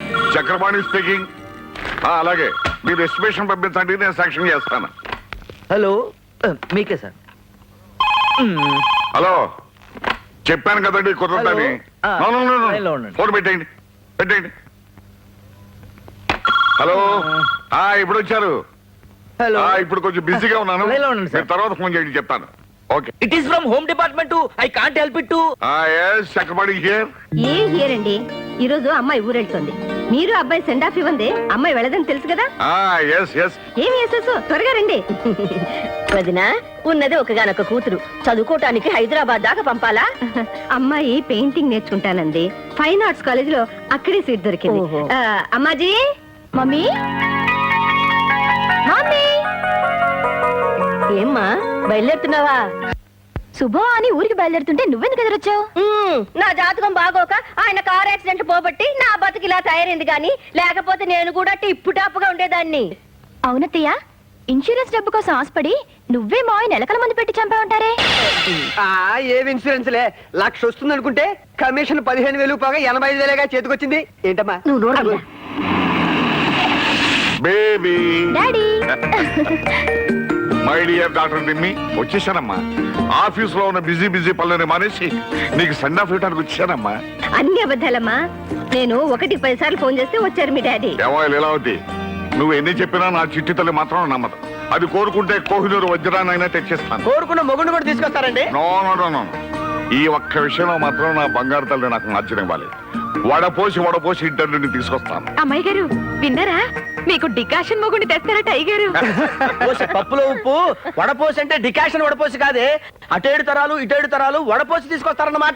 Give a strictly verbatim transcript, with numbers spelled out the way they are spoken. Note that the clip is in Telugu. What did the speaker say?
చక్రపాణి స్పీకింగ్. అలాగే మీరు ఎస్టిమేషన్ పంపించండి, నేను శాంక్షన్ చేస్తాను. హలో మీకే సార్. హలో, చెప్పాను కదండి కుదరదని. ఫోన్ పెట్టేయండి పెట్టేయండి. హలో, ఇప్పుడు వచ్చారు. హలో, ఇప్పుడు కొంచెం బిజీగా ఉన్నాను, లైన్లో ఉండండి సార్. తర్వాత ఫోన్ చేయండి, చెప్తాను. Okay. It is from home department. I can't help it to. Chakrapani here. ఏం హియర్ అండి, ఈ రోజు అమ్మాయి ఊరెళ్తుంది. మీరు అబ్బాయి సెండ్ ఆఫ్ ఇవ్వండి, అమ్మాయి వెళ్ళదని తెలుసు కదా. ఏమి వేసేసు, త్వరగా రండి. వదినా, ఉన్నది ఒకగానొక కూతురు, చదువుకోటానికి హైదరాబాద్ దాకా పంపాలా? అమ్మాయి పెయింటింగ్ నేర్చుకుంటానండి, ఫైన్ ఆర్ట్స్ కాలేజ్ లో అక్కడే సీట్ దొరికింది. ఓహో. ఆ, అమ్మాజీ. మమ్మీ మమ్మీ ఏమ్మా బయలుదేరుతున్నావా? శుభం అని ఊరికి బయలుదేరుతుంటే నువ్వెందుకు ఎదురొచ్చావు? నా జాతకం బాగోక ఆయన కార్ యాక్సిడెంట్ పోబట్టి నా బతికిలా తయారైంది గాని, లేకపోతే నేను కూడా టిప్పు టాప్గా ఉండేదాన్ని. అవునత్తయ్య, ఇన్సూరెన్స్ డబ్బు కోసం ఆశపడి నువ్వే మా ఆయన ఎలకల మంది పెట్టి చంపా ఉంటారే. ఏవి ఇన్సూరెన్స్ లే, లక్ష వస్తుంది అనుకుంటే కమిషన్ పదిహేను వేలు పోగా ఎనభై ఐదు వేలేగా చేతికొచ్చింది. ఏంటమ్మా నువ్వు నోరు baby. Daddy. My dear doctor దిమ్మి, వచ్చేసానమ్మా. ఆఫీస్ లో ఉన్న బిజీ బిజీ పనులని మానేసి నీకు సెండ్ ఆఫ్ ఇవ్వడానికి వచ్చానమ్మా. అన్ని అబద్ధాలమ్మా, నేను ఒకటి పది సార్లు ఫోన్ చేస్తే వచ్చారు మీ డాడీ. ఏమో లీలావతి, నువ్వు ఎన్ని చెప్పినా నా చిట్టి తల్లి మాత్రం నమ్మదు. అది కోరుకుంటే కోహినూరు వజ్రాన్నైనా తెచ్చిస్తాను. కోరుకున్న మొగుడు కూడా తీసుకొస్తారండి. నో నో నో నో, ఈ ఒక్క విషయంలో మాత్రం నా బంగారు తల్లి నాకు నచ్చనివ్వాలి. వడపోసి వడపోసి ఇంటర్వ్యూని తీసుకొస్తాను. అమ్మాయి గారు విన్నారా, మీకు డికాషన్ మొగుండి తెస్తారట అయ్యగారు. పప్పులో ఉప్పు వడపోసి అంటే డికాషన్ వడపోసి కాదే, అటేడు తరాలు ఇటేడు తరాలు వడపోసి తీసుకొస్తారన్నమాట.